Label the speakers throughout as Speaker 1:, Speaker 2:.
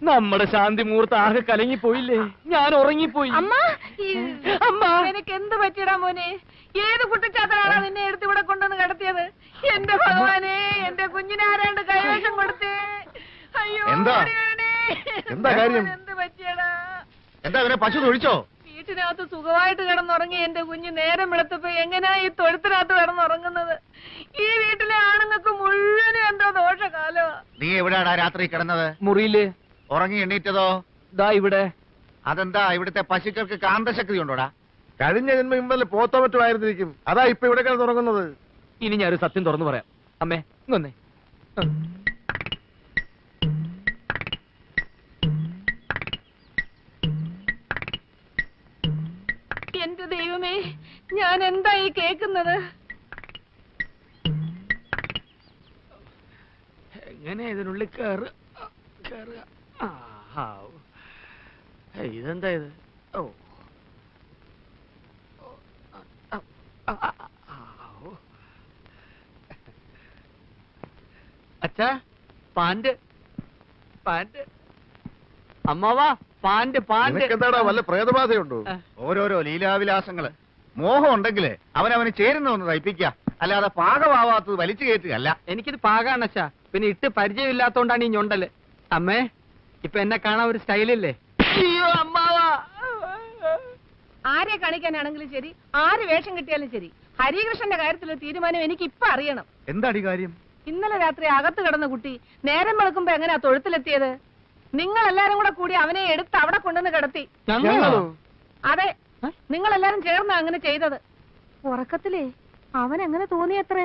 Speaker 1: നമ്മുടെ ശാന്തി മുഹൂർത്ത് ആകെ കലങ്ങിപ്പോയില്ലേ? ഞാൻ ഉറങ്ങിപ്പോയി.
Speaker 2: അമ്മ എനിക്ക് എന്ത് പറ്റിയടാ മോനെ? ഏത് കുട്ടിച്ചാത്തനാണ് നിന്നെ എടുത്ത് ഇവിടെ കൊണ്ടുവന്ന് കിടത്തിയത്? എന്റെ ഭഗവാനെ, എന്റെ കുഞ്ഞിനെ ആരാണ്ട് കൈവശം കൊടുത്തേ. അയ്യോ
Speaker 3: എന്താ കാര്യം?
Speaker 2: എന്ത് പറ്റിയടാ?
Speaker 3: എന്താ അവനെ പശു തൊഴിച്ചോ?
Speaker 2: വീട്ടിനകത്ത് സുഖമായിട്ട് കിടന്നുറങ്ങി എന്റെ കുഞ്ഞ് നേരം വെളുത്തപ്പോ എങ്ങനെയാ ഈ തൊഴുത്തിനകത്ത് കിടന്നുറങ്ങുന്നത്? ഈ വീട്ടിലെ ആണുങ്ങൾക്ക് മുഴുവനും എന്തോ ദോഷകാലോ.
Speaker 3: നീ എവിടെയാടാ രാത്രി കിടന്നത്?
Speaker 1: മുറിയില്.
Speaker 3: ഉറങ്ങി എണ്ണീറ്റതോ?
Speaker 1: ദാ ഇവിടെ.
Speaker 3: അതെന്താ ഇവിടുത്തെ പശുക്കൾക്ക് കാന്തശക്തി ഉണ്ടോടാ?
Speaker 4: കഴിഞ്ഞ ജന്മം ഇന്നലെ പോത്തോ മറ്റോ ആയിരുന്നിരിക്കും. അതാ ഇപ്പൊ ഇവിടെ കിടന്നുറങ്ങുന്നത്.
Speaker 1: ഇനി ഞാനൊരു സത്യം തുറന്നു പറയാം. അമ്മേ ഇങ്ങൊന്നേ.
Speaker 2: എന്റെ ദൈവമേ, ഞാൻ എന്താ ഈ കേക്കുന്നത്?
Speaker 1: എങ്ങനെ ഇതിനുള്ളിൽ കേറുക? ഇതെന്താ ഇത്? ഓ അച്ഛാ, പാന്റ് അമ്മാവാ, പാന്റ്.
Speaker 4: എന്താടാ വല്ല പ്രേതബാധയുണ്ടോ?
Speaker 3: ഓരോരോ ലീലാവിലാസങ്ങള്. മോഹം ഉണ്ടെങ്കില് അവനവന് ചേരുന്ന ഒന്ന് തയ്പ്പിക്കുക, അല്ലാതെ പാകമാവാത്തത് വലിച്ചു കയറ്റുകയല്ല.
Speaker 1: എനിക്കിത് പാകാണ് അച്ഛാ. പിന്നെ ഇട്ട് പരിചയമില്ലാത്തോണ്ടാണ് ഈ ഞൊണ്ടല്. അമ്മേ, ഇപ്പൊ എന്നെ കാണാൻ ഒരു സ്റ്റൈലില്ലേ? അയ്യോ അമ്മാവാ.
Speaker 2: ആരെ കാണിക്കാനാണെങ്കിലും ശരി, ആര് വേഷം കിട്ടിയാലും ശരി, ഹരികൃഷ്ണന്റെ കാര്യത്തിലൊരു തീരുമാനം എനിക്ക് ഇപ്പൊ അറിയണം.
Speaker 3: എന്താടി കാര്യം?
Speaker 2: ഇന്നലെ രാത്രി അകത്ത് കിടന്ന കുട്ടി നേരം വെളുക്കുമ്പോ എങ്ങനെയാ തൊഴുത്തിലെത്തിയത്? നിങ്ങൾ എല്ലാരും കൂടെ കൂടി അവനെ എടുത്ത് അവിടെ കൊണ്ടുവന്ന് കിടത്തി. അതെ, നിങ്ങൾ എല്ലാരും ചേർന്ന് അങ്ങനെ ചെയ്തത്. ഉറക്കത്തിലേ അവൻ എങ്ങനെ തോന്നിയത്രേ?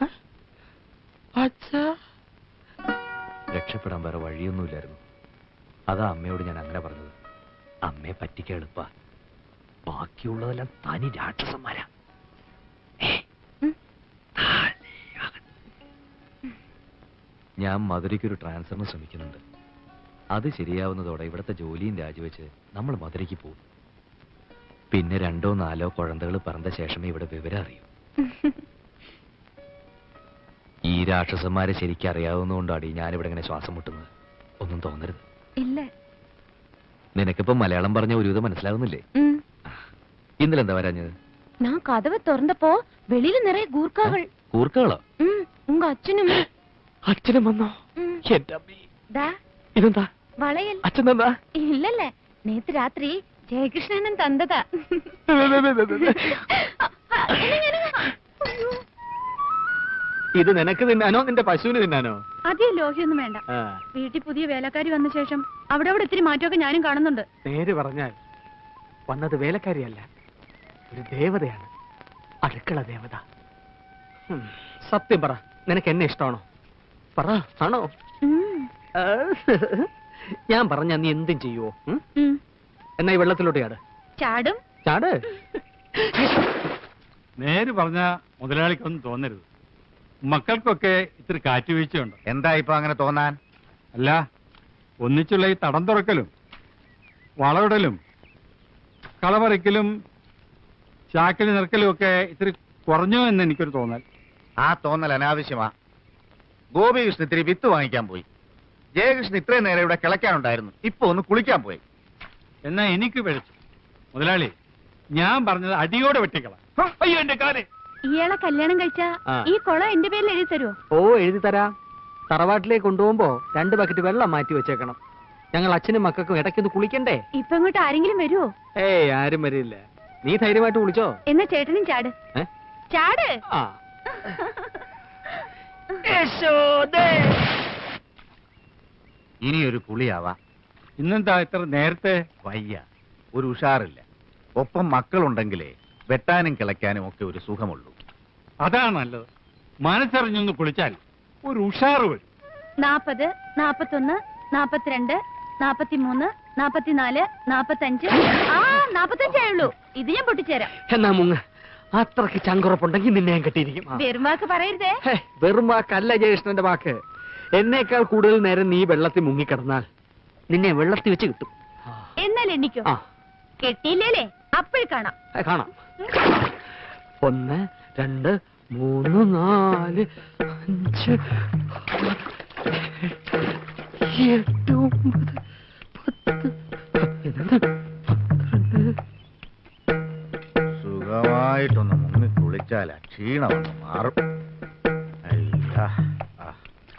Speaker 5: രക്ഷപ്പെടാൻ വേറെ വഴിയൊന്നുമില്ലായിരുന്നു. അതാ അമ്മയോട് ഞാൻ അങ്ങനെ പറഞ്ഞത്. അമ്മയെ പറ്റിക്കാൻ എളുപ്പ, ബാക്കിയുള്ളതെല്ലാം തനി രാക്ഷസന്മാരാ. ഞാൻ മധുരയ്ക്കൊരു ട്രാൻസ്ഫറിന് ശ്രമിക്കുന്നുണ്ട്. അത് ശരിയാവുന്നതോടെ ഇവിടുത്തെ ജോലിയും രാജിവെച്ച് നമ്മൾ മധുരയ്ക്ക് പോകും. പിന്നെ 2 or 4 കുഴന്തകൾ പറഞ്ഞ ശേഷമേ ഇവിടെ വിവരം അറിയൂ. ഈ രാക്ഷസന്മാരെ ശരിക്കും അറിയാവുന്നതുകൊണ്ടാണ് ഞാനിവിടെ ഇങ്ങനെ ശ്വാസം മുട്ടുന്നത്. ഒന്നും തോന്നരുത്.
Speaker 6: ഇല്ല.
Speaker 5: നിനക്കിപ്പോ മലയാളം പറഞ്ഞ ഒരുവിധം മനസ്സിലാവുന്നില്ലേ? ഇന്നലെ എന്താ വരാഞ്ഞത്?
Speaker 6: ഞാൻ കഥവ് തുറന്നപ്പോ വെളിയിൽ നിറയെ ഗൂർക്കകൾ.
Speaker 5: കൂർക്കകളോ?
Speaker 6: ഉങ്ക അച്ഛനും
Speaker 1: അച്ഛനും വന്നോ? ഇതെന്താ
Speaker 6: വളയൽ?
Speaker 1: അച്ഛൻ എന്താ?
Speaker 6: ഇല്ലല്ലേ, നേത്ത് രാത്രി ജയകൃഷ്ണനും തന്നതാ.
Speaker 1: ഇത് നിനക്ക് തിന്നാനോ നിന്റെ പശുവിന് തിന്നാനോ?
Speaker 6: അധികം ലോഹ്യൊന്നും വേണ്ട. വീട്ടിൽ പുതിയ വേലക്കാരി വന്ന ശേഷം അവിടെ ഇത്തിരി മാറ്റമൊക്കെ ഞാനും കാണുന്നുണ്ട്.
Speaker 1: നേര് പറഞ്ഞാൽ വന്നത് വേലക്കാരിയല്ല, ഒരു ദേവതയാണ്. അടുക്കള ദേവത. സത്യം പറ, നിനക്ക് എന്നെ ഇഷ്ടമാണോ? പറ, ആണോ? ഞാൻ പറഞ്ഞ നീ എന്തും ചെയ്യുവോ? എന്നാ ഈ വെള്ളത്തിലോട്ട്
Speaker 6: ചാടും.
Speaker 1: ചാട്.
Speaker 7: നേര് പറഞ്ഞ മുതലാളിക്കൊന്നും തോന്നരുത്. മക്കൾക്കൊക്കെ ഇത്തിരി കാറ്റുവീഴ്ചയുണ്ട്.
Speaker 3: എന്താ ഇപ്പൊ അങ്ങനെ തോന്നാൻ?
Speaker 7: അല്ല, ഒന്നിച്ചുള്ള ഈ തടം തുറക്കലും വളവിടലും കളപറിക്കലും ചാക്കിൽ നിറക്കലും ഒക്കെ ഇത്തിരി കുറഞ്ഞോ എന്ന് എനിക്കൊരു തോന്നൽ.
Speaker 3: ആ തോന്നൽ അനാവശ്യമാ. ഗോപികൃഷ്ണൻ ഇത്തിരി വിത്ത് വാങ്ങിക്കാൻ പോയി. ജയകൃഷ്ണൻ ഇത്രയും നേരം ഇവിടെ കിളയ്ക്കാനുണ്ടായിരുന്നു. ഇപ്പൊ ഒന്ന് കുളിക്കാൻ പോയി.
Speaker 7: എന്നാ എനിക്ക് പിഴച്ചു. മുതലാളി, ഞാൻ പറഞ്ഞത് അടിയോടെ വെട്ടിക്കള. അയ്യോ എന്റെ കാല്.
Speaker 6: ഇയാളെ കല്യാണം കഴിച്ചാ ഈ കുളം എന്റെ പേരിൽ എഴുതി തരുമോ?
Speaker 1: ഓ, എഴുതി തരാം. തറവാട്ടിലേക്ക് കൊണ്ടുപോകുമ്പോ 2 ബക്കറ്റ് വെള്ളം മാറ്റി വെച്ചേക്കണം. ഞങ്ങൾ അച്ഛനും മക്കൾക്കും ഇടയ്ക്കൊന്ന് കുളിക്കണ്ടേ?
Speaker 6: ഇപ്പൊ ഇങ്ങോട്ട് ആരെങ്കിലും വരുമോ?
Speaker 1: ഏയ്, ആരും വരില്ല. നീ ധൈര്യമായിട്ട് കുളിച്ചോ.
Speaker 6: എന്നാ ചേട്ടനും ചാട്. ചാട്.
Speaker 3: ഇനിയൊരു കുളിയാവാ.
Speaker 7: ഇന്നെന്താ ഇത്ര നേരത്തെ?
Speaker 3: വയ്യ, ഒരു ഉഷാറില്ല. ഒപ്പം മക്കളുണ്ടെങ്കിലേ വെട്ടാനും കിളയ്ക്കാനും ഒക്കെ ഒരു സുഖമുള്ളൂ.
Speaker 7: അതാണ് നല്ലത്. മനസ്സറിഞ്ഞൊന്ന് കുളിച്ചാൽ ഒരു ഉഷാറ് വരും.
Speaker 6: 40, 41, 42, 43, 44, 45. 45 ആയുള്ളൂ. ഇത് ഞാൻ പൊട്ടിച്ചേരാം.
Speaker 1: എന്നാ മുങ്ങ. അത്രക്ക് ചങ്കുറപ്പുണ്ടെങ്കിൽ നിന്നെ ഞാൻ കെട്ടിയിരിക്കും.
Speaker 6: വെറും വാക്ക് പറയരുതേ.
Speaker 1: വെറും വാക്കല്ല ജയകൃഷ്ണന്റെ വാക്ക്. എന്നേക്കാൾ കൂടുതൽ നേരം നീ വെള്ളത്തിൽ മുങ്ങിക്കിടന്നാൽ നിന്നെ വെള്ളത്തിൽ വെച്ച് കിട്ടും.
Speaker 6: എന്നാൽ എണ്ണിക്കോ. കെട്ടിയില്ലേ അപ്പോഴും കാണാം.
Speaker 1: കാണാം. 1, 2, 3, 4, 5, 6, 7, 8,
Speaker 3: സുഖമായിട്ടൊന്ന് മുങ്ങി കുളിച്ചാൽ ക്ഷീണമൊന്ന് മാറും. അയ്യാ. ആ.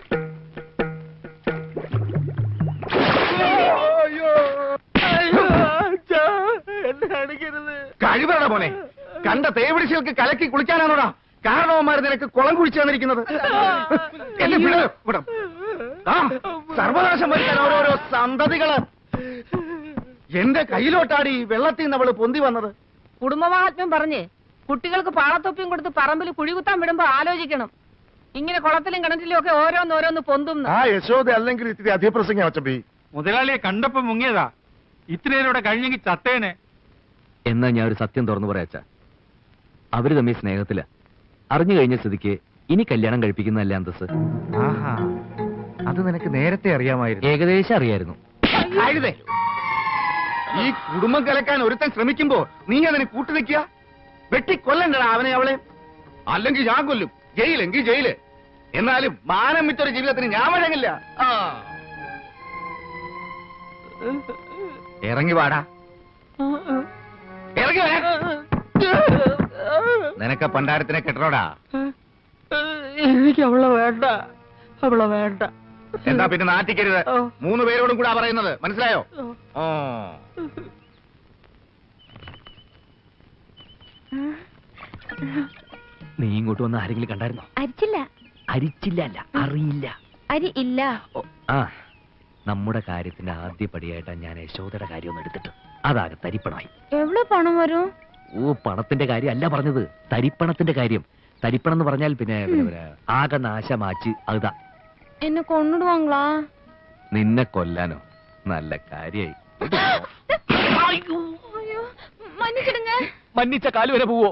Speaker 3: കഴിവറ മോനെ, കണ്ട തേവിടിശകൾക്ക് കലക്കി കുളിക്കാനാണോടാ കാരണവന്മാർ നിനക്ക് കുളം കുഴിച്ചു തന്നിരിക്കുന്നത്? എന്നെ വിട്, വിടും. ആ സർവനാശം വരുത്താൻ ഓരോരോ സന്തതികള്. എന്റെ കയ്യിലോട്ടാടി വെള്ളത്തിൽ നിന്ന് അവള് പൊന്തി വന്നത്.
Speaker 2: കുടുംബമാഹാത്മ്യം പറഞ്ഞ് കുട്ടികൾക്ക് പാളത്തൊപ്പിയും കൊടുത്ത് പറമ്പിൽ കുഴികുത്താൻ വിടുമ്പോ ആലോചിക്കണം. ഇങ്ങനെ കുളത്തിലും കിണറ്റിലും ഒക്കെ ഓരോന്നോരോന്ന് പൊന്തും.
Speaker 4: ആ യശോദ അല്ലെങ്കിൽ ഇത്തിരി അധിപ്രസംഗം അച്ചമ്പി.
Speaker 7: മുതലാളിയെ കണ്ടപ്പോ മുങ്ങിയതാ. ഇത്രയേരോടെ കഴിഞ്ഞെങ്കിൽ ചത്തേനെ.
Speaker 5: എന്നാ ഞാൻ ഒരു സത്യം തുറന്നു പറയാച്ച, അവര് തമ്മിൽ സ്നേഹത്തില. അറിഞ്ഞു കഴിഞ്ഞ സ്ഥിതിക്ക് ഇനി കല്യാണം കഴിപ്പിക്കുന്നതല്ല അന്തസ്.
Speaker 3: ആഹാ, അത് നിനക്ക് നേരത്തെ അറിയാമായിരുന്നു.
Speaker 5: ഏകദേശം അറിയായിരുന്നു.
Speaker 3: ആയിരുതേ, ഈ കുടുംബം കലക്കാൻ ഒരുത്തൻ ശ്രമിക്കുമ്പോ നീ അതിന് കൂട്ടുനിൽക്കുക. വെട്ടിക്കൊല്ലണ്ടടാ അവനെ അവളെ. അല്ലെങ്കിൽ ഞാൻ കൊല്ലും. ജയിലെങ്കിൽ ജയില്. എന്നാലും മാനം വിറ്റൊരു ജീവിതത്തിന് ഞാൻ വഴങ്ങില്ല. ഇറങ്ങി വാടാ, ഇറങ്ങി വരാ. നിനക്ക് പണ്ടാരത്തിനെ കെട്ടണോടാ.
Speaker 1: എനിക്ക് അവളെ വേണ്ട, അവളെ വേണ്ട.
Speaker 3: എന്താ പിന്നെ നാട്ടിക്കരുത്. 3 പേരോടും കൂടാ പറയുന്നത്, മനസ്സിലായോ? ഓ
Speaker 5: നീ ഇങ്ങോട്ട് വന്ന് ആരെങ്കിലും കണ്ടായിരുന്നോ?
Speaker 6: അരിച്ചില്ല.
Speaker 5: അരിച്ചില്ല അല്ല, അറിയില്ല.
Speaker 6: അരി ഇല്ല.
Speaker 5: ആ, നമ്മുടെ കാര്യത്തിന്റെ ആദ്യപടിയായിട്ടാ ഞാൻ യശോദയുടെ കാര്യം ഒന്ന് എടുത്തിട്ട് അതാകെ തരിപ്പണമായി.
Speaker 6: എവിടെ പണം വരും?
Speaker 5: ഓ, പണത്തിന്റെ കാര്യം അല്ല പറഞ്ഞത്, തരിപ്പണത്തിന്റെ കാര്യം. തരിപ്പണം എന്ന് പറഞ്ഞാൽ പിന്നെ ആകെ നാശമാച്ച് അതാ.
Speaker 6: എന്നെ കൊണ്ടിടുവാങ്ങളാ?
Speaker 5: നിന്നെ കൊല്ലാനോ? നല്ല കാര്യായി.
Speaker 6: മன்னிச்சிடுங்க.
Speaker 5: മന്നിച്ച കാല് വരെ പോവോ?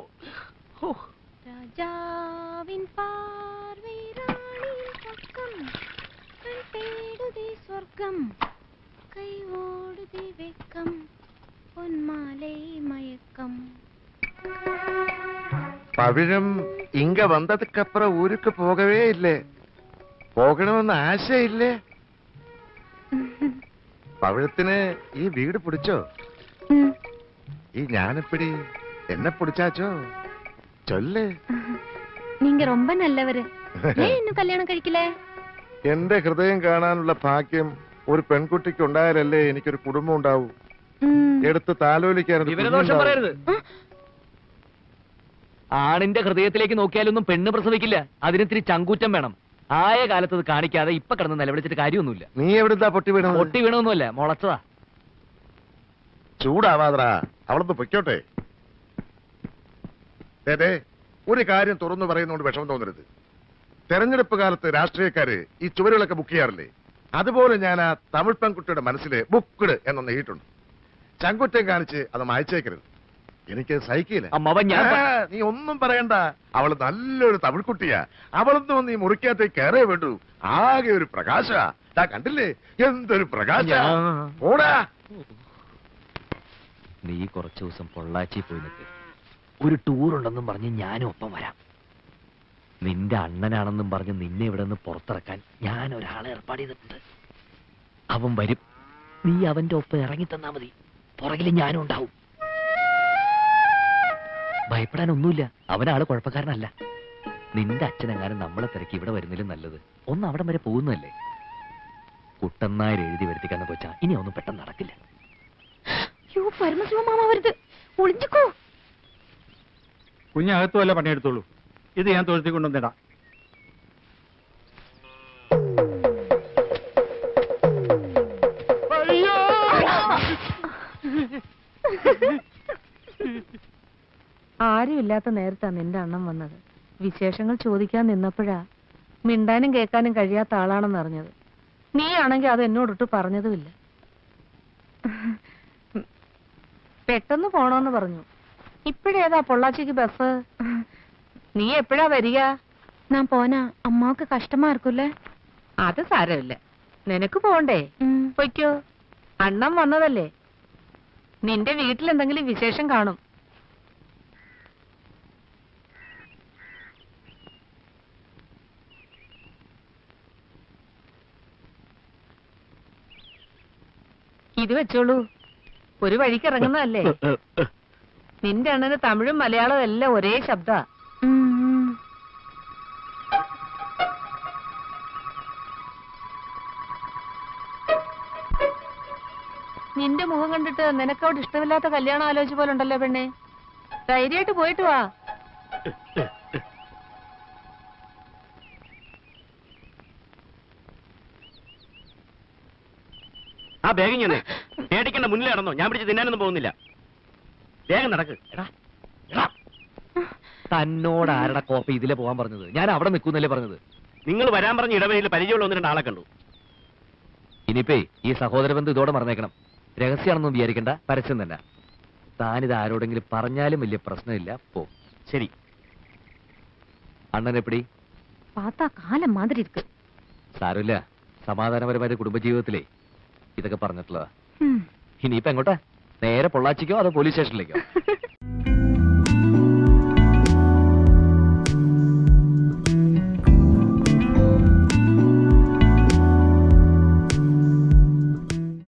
Speaker 6: രാജാവിൻ പാർവൈ റാണിൻ പക്കം തേടുതി സ്വർഗം കൈ ഓടുതി വെക്കം പൊന്മാലൈ മയക്കം.
Speaker 4: പവിഴം ഇങ്ക വന്നതുക്കപ്പുറം ഊருக்கு പോകവേ ഇല്ലേ? പോകണമെന്ന് ആശയില്ലേ? പവിഴത്തിന് ഈ വീട് പിടിച്ചോ? ഈ ஞானப்பிடி എന്നെ പിടിച്ചാച്ചോ? ചൊല്ല്.
Speaker 6: நீங்க ரொம்ப நல்லவரு. ஏன் இன்னும் கல்யாணம் കഴിക്കില്ലേ?
Speaker 4: എന്റെ ഹൃദയം കാണാനുള്ള ഭാഗ്യം ഒരു പെൺകുട്ടിക്ക് ഉണ്ടായാലല്ലേ എനിക്കൊരു കുടുംബം ഉണ്ടാവൂ. എടുത്ത് താലോലിക്കാൻ.
Speaker 5: വിവരദോഷം പറയരുത്. ആണിന്റെ ഹൃദയത്തിലേക്ക് നോക്കിയാലൊന്നും പെണ്ണ് പ്രസവിക്കില്ല. അതിനിത്തിരി ചങ്കൂറ്റം വേണം. ആയ കാലത്ത് അത് കാണിക്കാതെ ഇപ്പൊ കിടന്ന് നിലവിളിച്ചിട്ട് കാര്യമൊന്നുമില്ല.
Speaker 4: നീ എവിടുന്നാ പൊട്ടി വീണത്?
Speaker 5: പൊട്ടി വീണൊന്നുമല്ല, മുളച്ചതാ.
Speaker 4: ചൂടാവാതറാ, അവളൊന്ന് പൊയ്ക്കോട്ടെ. അതെ, ഒരു കാര്യം തുറന്നു പറയുന്നതുകൊണ്ട് വിഷമം തോന്നരുത്. തെരഞ്ഞെടുപ്പ് കാലത്ത് രാഷ്ട്രീയക്കാര് ഈ ചുവരുകളൊക്കെ ബുക്ക് ചെയ്യാറില്ലേ? അതുപോലെ ഞാൻ ആ തമിഴ് പെൺകുട്ടിയുടെ മനസ്സില് ബുക്ക്ഡ് എന്നൊന്ന് എഴുതിയിട്ടുണ്ട്. ചങ്കുറ്റം കാണിച്ച് അത് മായച്ചേക്കരുത്. എനിക്ക് സഹിക്കില്ല. നീ ഒന്നും പറയണ്ട. അവള് നല്ലൊരു തമിഴ് കുട്ടിയാ. അവളൊന്നും വന്ന് ഈ മുറിക്കകത്തേക്ക് കയറേ വേണ്ടു. ആകെ ഒരു പ്രകാശ. കണ്ടില്ലേ എന്തൊരു പ്രകാശ. ഓടാ.
Speaker 5: നീ കുറച്ചു ദിവസം പൊള്ളാച്ചി പോയി നിൽക്ക്. ഒരു ടൂർ ഉണ്ടെന്നും പറഞ്ഞ് ഞാനും ഒപ്പം വരാം. നിന്റെ അണ്ണനാണെന്നും പറഞ്ഞ് നിന്നെ ഇവിടെ നിന്ന് പുറത്തിറക്കാൻ ഞാൻ ഒരാളെ ഏർപ്പാട് ചെയ്തിട്ടുണ്ട്. അവൻ വരും. നീ അവന്റെ ഒപ്പം ഇറങ്ങി തന്നാ മതി. പുറകിൽ ഞാനും ഉണ്ടാവും. ഭയപ്പെടാനൊന്നുമില്ല. അവനാള് കുഴപ്പക്കാരനല്ല. നിന്റെ അച്ഛനെങ്ങാനും നമ്മളെ തിരക്കി ഇവിടെ വരുന്നതിലും നല്ലത് ഒന്ന് അവിടം വരെ പോകുന്നതല്ലേ. കുട്ടന്നായർ എഴുതി വരുത്തിക്കാന്ന് വെച്ചാ ഇനി ഒന്നും പെട്ടെന്ന് നടക്കില്ല.
Speaker 6: പരമശിവമാമ വരുത്, ഒളിഞ്ഞിക്കോ.
Speaker 7: കുഞ്ഞകത്തു വല്ല പണിയെടുത്തോളൂ. ഇത് ഞാൻ തൊഴുത്തി കൊണ്ടുവന്നിടാം.
Speaker 2: ആരുമില്ലാത്ത നേരത്താ നിന്റെ അണ്ണം വന്നത്. വിശേഷങ്ങൾ ചോദിക്കാൻ നിന്നപ്പോഴാ മിണ്ടാനും കേൾക്കാനും കഴിയാത്ത ആളാണെന്ന് അറിഞ്ഞത്. നീ ആണെങ്കിൽ അത് എന്നോടിട്ട് പറഞ്ഞതുമില്ല. പെട്ടെന്ന് പോണോന്ന് പറഞ്ഞു. ഇപ്പഴേതാ പൊള്ളാച്ചിക്ക് ബസ്? നീ എപ്പോഴാ വരിക?
Speaker 6: ഞാൻ പോനാ അമ്മാക്ക് കഷ്ടമാ ഇരിക്കൂല്ലേ?
Speaker 2: അത് സാരമില്ല, നിനക്ക് പോണ്ടേ? പൊയ്ക്കോ. അണ്ണം വന്നതല്ലേ. നിന്റെ വീട്ടിലെന്തെങ്കിലും വിശേഷം കാണും. ഇത് വെച്ചോളൂ. ഒരു വഴിക്ക് ഇറങ്ങുന്നതല്ലേ. നിന്റെ അണ്ണന് തമിഴും മലയാളവും എല്ലാം ഒരേ ശബ്ദ. നിന്റെ മുഖം കണ്ടിട്ട് നിനക്കവിടെ ഇഷ്ടമില്ലാത്ത കല്യാണം ആലോചിച്ച പോലെ ഉണ്ടല്ലോ പെണ്ണെ. ധൈര്യമായിട്ട് പോയിട്ട് വാ.
Speaker 8: ആ ബാഗ് ഞാൻ പേടിക്കേണ്ട മുന്നിൽ നടന്നോ, ഞാൻ പിടിച്ച് തിന്നാനൊന്നും പോകുന്നില്ല. വേഗം നടക്ക്.
Speaker 5: തന്നോട് ആരുടെ കോപ്പ ഇതിലെ പോകാൻ പറഞ്ഞത്? ഞാൻ അവിടെ നിൽക്കുന്നല്ലേ പറഞ്ഞത്.
Speaker 8: നിങ്ങൾ വരാൻ പറഞ്ഞ ഇടവഴിയിൽ പരിചയമുള്ള 1-2 ആളെ കണ്ടു.
Speaker 5: ഇനിയിപ്പേ ഈ സഹോദര ബന്ധം ഇതോടെ മറന്നേക്കണം. രഹസ്യമാണെന്നും വിചാരിക്കണ്ട, പരസ്യം തന്നെ. താനിത് ആരോടെങ്കിലും പറഞ്ഞാലും വലിയ പ്രശ്നമില്ല. പോ.
Speaker 8: ശരി.
Speaker 5: അണ്ണൻ എപ്പടി?
Speaker 6: പാത്താ കാലം മാതിരി ഇരിക്ക്.
Speaker 5: സാരമില്ല, സമാധാനപരമായ കുടുംബജീവിതത്തിലേ ഇതൊക്കെ പറഞ്ഞിട്ടുള്ളതാ. ഇനിയിപ്പോ എങ്ങോട്ടാ? നേരെ പൊള്ളാച്ചിക്കോ അതോ പോലീസ് സ്റ്റേഷനിലേക്കോ?